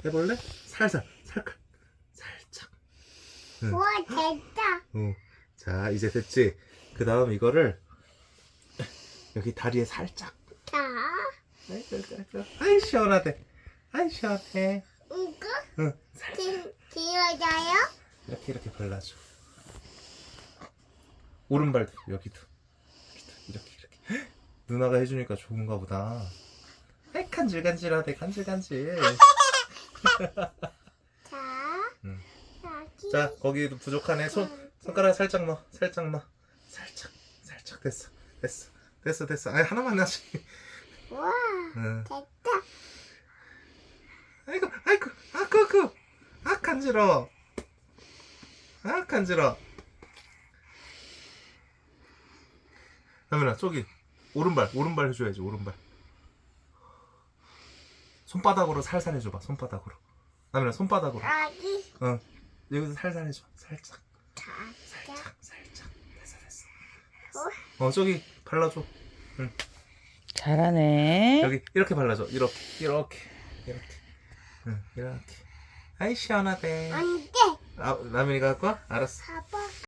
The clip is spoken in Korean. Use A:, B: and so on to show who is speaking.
A: 해볼래? 살살 살짝. 응.
B: 우와, 됐다.
A: 자, 이제 됐지? 그 다음 이거를 여기 다리에 살짝.
B: 자,
A: 아이 시원하대. 아이 시원해.
B: 이거
A: 응, 살짝
B: 길어져요?
A: 이렇게 발라줘. 오른발도 여기도 이렇게. 누나가 해주니까 좋은가 보다. 아이 간질간질하대. 간질간질.
B: 자,
A: 응.
B: 여기.
A: 자, 거기도 부족하네. 손가락 살짝 넣어. 살짝. 됐어. 아이 하나만 하지.
B: 우와,
A: 응.
B: 됐다.
A: 아이고, 아 간지러워. 아 간지러워. 다민아, 저기 오른발 해줘야지. 오른발. 손바닥으로 살살 해줘봐. 손바닥으로. 다민아, 손바닥으로.
B: 여기.
A: 응. 여기서 살살 해줘. 살짝.
B: 자,
A: 됐어. 저기 발라줘.
C: 잘하네.
A: 여기 이렇게 발라줘. 이렇게. 응, 이렇게. 아이 시원하대.
B: 안 돼.
A: 아, 라민이가 할 거야? 알았어.
B: 봐봐.